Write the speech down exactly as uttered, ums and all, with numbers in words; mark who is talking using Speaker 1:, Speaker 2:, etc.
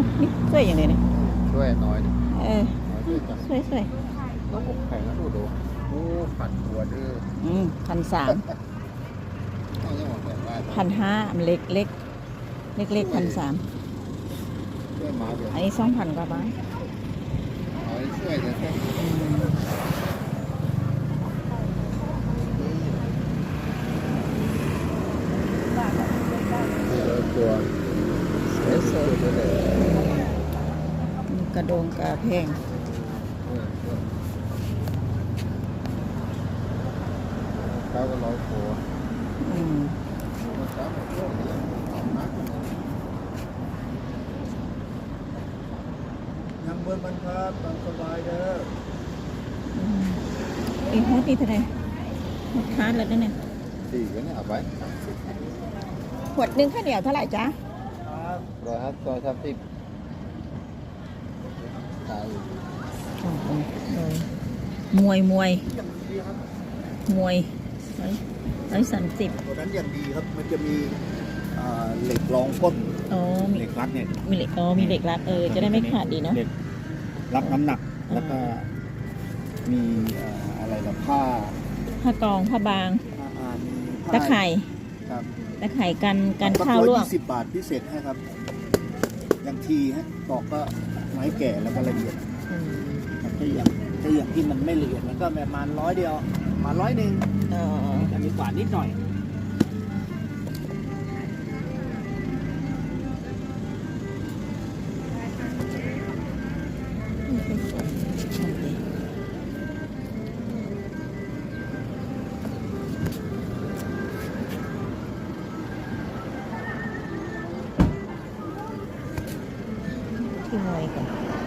Speaker 1: นี่สวยอย่างเลยเนี่ย
Speaker 2: ช่วยน้อยดิ
Speaker 1: เออ
Speaker 2: น้อยช่วยจัง
Speaker 1: สวยสวย
Speaker 2: ต้องอกแข็งนะดูดูโอ้ผัดหัวดื้อ
Speaker 1: อืมพันสาม
Speaker 2: ไม่ใช่หมดแบบว่า
Speaker 1: พันห้ามันเล็กเล็กเล็กเล็กพันสาม
Speaker 2: ช่วยหมาเดี๋ยว
Speaker 1: อันนี้สองพันกว่าบาท
Speaker 2: เอาให้ช่วยเดี๋ยวแค่
Speaker 1: อืม
Speaker 2: ตัว
Speaker 1: สวยสวย
Speaker 2: ตัวเล็ก
Speaker 1: กระโดงกระแพง
Speaker 2: เขาก็ร้อยโผล่
Speaker 1: อืม
Speaker 2: ยังเบิร์มันครับตามสบายเด้อ
Speaker 1: อืมอีกฮอตดีเท่าไหร่ฮอตคาร์ดแล้วเนี่ย
Speaker 2: สี่ก็เนี่ยเอาไป
Speaker 1: ขวดหนึ่งข้าวเหนียวเท่าไหร่จ๊ะ
Speaker 2: ร้อยห้าร้อยสามสิบขาย
Speaker 1: โอ้โหเลยมวยมวยมวยร้อยร้อยสามสิบ
Speaker 3: ตัวนั้นอย่างดีครับ มันจะมีอ่าเหล็กรองก้น
Speaker 1: อ๋อมี
Speaker 3: เหล็กรัดเนี่ย
Speaker 1: มีเหล็กอ๋อมีเหล็กรัดเออจะได้ไม่ขาดดีเนาะ
Speaker 3: เหล็กรับน้ำหนัก
Speaker 1: อ่า
Speaker 3: แล้วก็มีอ่าอะไรล่ะผ้า
Speaker 1: ผ้ากองผ้าบาง
Speaker 3: ผ้าอ่ามีผ้า
Speaker 1: ตะไคร่
Speaker 3: ครับ
Speaker 1: ตะไคร่กันกันข้าวลวก
Speaker 3: ยี่สิบบาทพิเศษให้ครับ อย่างทีฮะตอกก็ไม้แก่แล้วก็ละเอียด
Speaker 1: อืม
Speaker 3: ถ้าอย่างถ้าอย่างที่มันไม่ละเอียดมันก็ประมาณร้อยเดียวมาร้อยหนึ่ง
Speaker 1: เออ
Speaker 3: จะมีกว่านิดหน่อย
Speaker 1: ที่มวยกัน